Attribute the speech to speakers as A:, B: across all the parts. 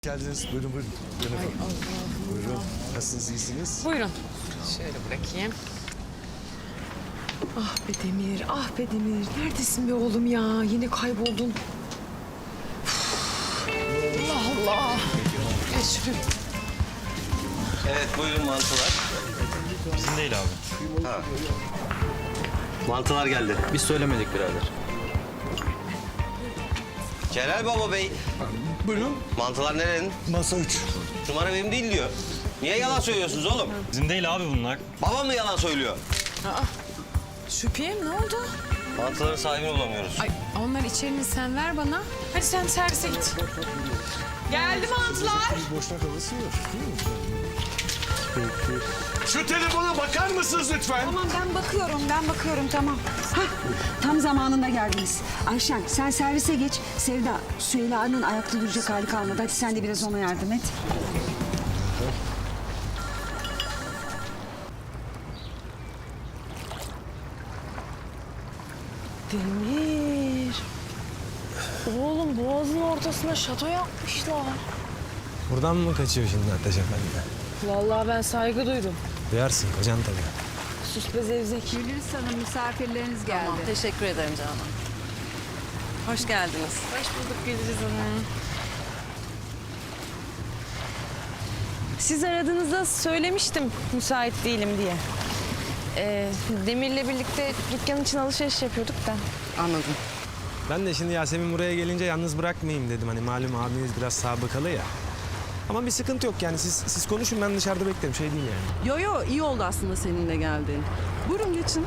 A: Geldiniz. Buyurun buyurun. Buyurun.
B: Ay Allah.
A: Buyurun. Nasılsınız, iyisiniz?
B: Buyurun. Şöyle bırakayım. Ah be Demir, ah be Demir. Neredesin be oğlum ya? Yine kayboldun. Allah Allah. Geç şuraya.
C: Evet, buyurun mantılar.
D: Bizim değil abi.
C: Mantılar geldi.
D: Biz söylemedik birader.
C: Celal Baba Bey,
A: Buyurun.
C: mantılar nerenin?
A: Masa 3.
C: Numara benim değil diyor. Niye yalan söylüyorsunuz oğlum?
D: Bizim değil abi bunlar.
C: Babam mı yalan söylüyor?
B: Şüpheyim ne oldu?
C: Mantıların sahibini bulamıyoruz.
B: Ay onlar içerini sen ver bana. Hadi sen servise git. Geldi mantılar.
A: Boşnak havası yok. Değil mi? Peki. Şu telefona bakar mısınız lütfen?
E: Tamam ben bakıyorum tamam. Hah, tam zamanında geldiniz. Ayşen sen servise geç. Sevda, Süheyla'nın ayakta duracak hali kalmadı. Hadi sen de biraz ona yardım et.
B: Demir. Oğlum boğazın ortasına şato yapmışlar.
F: Buradan mı kaçıyor şimdi Ateş Efendi?
B: Vallahi ben saygı duydum.
F: Duyarsın kocan tabii.
B: Sus be zevzek.
E: Gülürüz Hanım misafirleriniz geldi.
G: Teşekkür ederim canım. Hoş geldiniz.
B: Hoş bulduk Gülriz Hanım. Siz aradığınızda söylemiştim müsait değilim diye. Demir'le birlikte dükkan için alışveriş yapıyorduk da.
G: Anladım.
F: Ben de şimdi Yasemin buraya gelince yalnız bırakmayayım dedim. Hani malum abiniz biraz sabıkalı ya. Ama bir sıkıntı yok yani siz konuşun ben dışarıda beklerim şey değil yani.
G: Yo iyi oldu aslında seninle geldiğin. Buyurun geçin.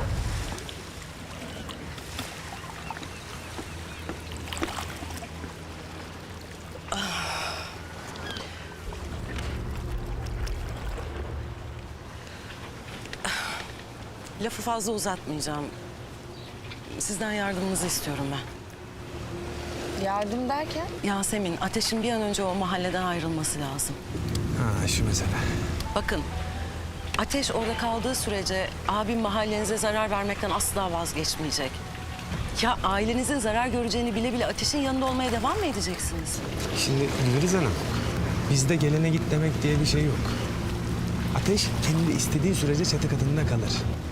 G: Lafı fazla uzatmayacağım. Sizden yardımınızı istiyorum ben.
B: Yardım derken?
G: Yasemin, Ateş'in bir an önce o mahalleden ayrılması lazım.
F: Ha şu mesele.
G: Bakın, Ateş orada kaldığı sürece abim mahallenize zarar vermekten asla vazgeçmeyecek. Ya ailenizin zarar göreceğini bile bile Ateş'in yanında olmaya devam mı edeceksiniz?
F: Şimdi Gülriz Hanım bizde gelene git demek diye bir şey yok. Ateş kendi istediği sürece çatı katında kalır.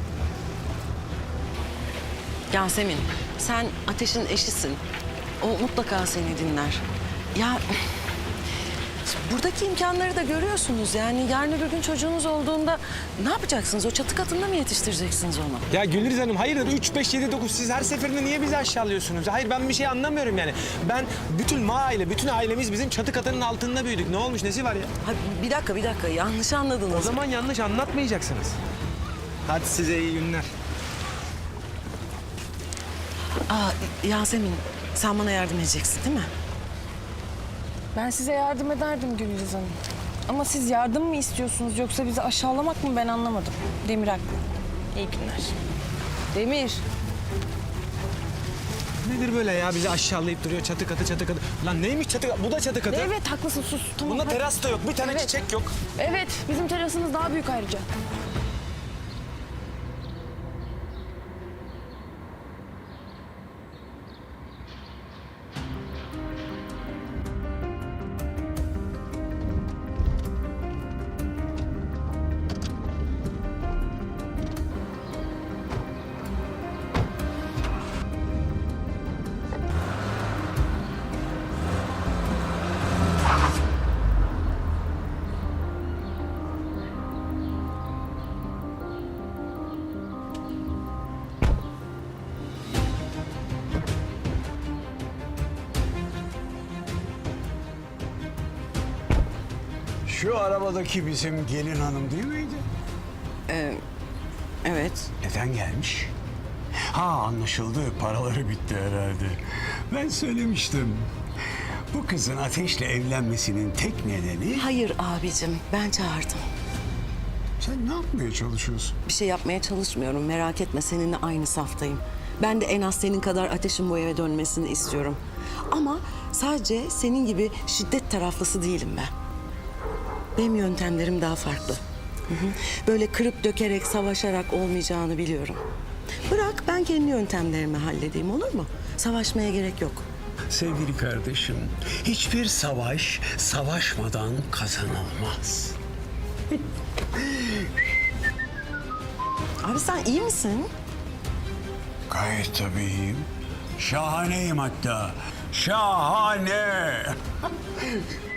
G: Yasemin, sen Ateş'in eşisin. O mutlaka seni dinler. Ya buradaki imkanları da görüyorsunuz. Yani yarın öbür gün çocuğunuz olduğunda ne yapacaksınız? O çatı katında mı yetiştireceksiniz onu?
F: Ya Gülriz Hanım hayırdır 3, 5, 7, 9 siz her seferinde niye bizi aşağılıyorsunuz? Hayır ben bir şey anlamıyorum yani. Ben bütün bütün ailemiz bizim çatı katının altında büyüdük. Ne olmuş nesi var ya?
G: Ha, bir dakika yanlış anladınız.
F: O zaman yanlış anlatmayacaksınız. Hadi size iyi günler.
G: Yasemin, sen bana yardım edeceksin değil mi?
H: Ben size yardım ederdim Gülriz Hanım. Ama siz yardım mı istiyorsunuz yoksa bizi aşağılamak mı ben anlamadım. Demir haklı. İyi günler. Demir.
F: Nedir böyle ya bizi aşağılayıp duruyor çatı katı. Lan neymiş çatı katı? Bu da çatı katı.
H: Evet haklısın sus. Tamam.
F: Bunda
H: hadi.
F: teras da yok. Bir tane
H: Evet.
F: çiçek yok.
H: Evet bizim terasımız daha büyük ayrıca.
I: Şu arabadaki bizim gelin hanım değil miydi?
G: Evet.
I: Neden gelmiş? Ha anlaşıldı. Paraları bitti herhalde. Ben söylemiştim. Bu kızın Ateş'le evlenmesinin tek nedeni...
G: Hayır abicim, ben çağırdım.
I: Sen ne yapmaya çalışıyorsun?
G: Bir şey yapmaya çalışmıyorum. Merak etme, seninle aynı saftayım. Ben de en az senin kadar Ateş'in bu eve dönmesini istiyorum. Ama sadece senin gibi şiddet taraflısı değilim ben. Benim yöntemlerim daha farklı. Böyle kırıp dökerek, savaşarak olmayacağını biliyorum. Bırak ben kendi yöntemlerimi halledeyim, olur mu? Savaşmaya gerek yok.
I: sevgili kardeşim. Hiçbir savaş savaşmadan kazanılmaz.
G: Abi sen iyi misin?
I: Gayet tabii iyiyim. Şahaneyim hatta. Şahane.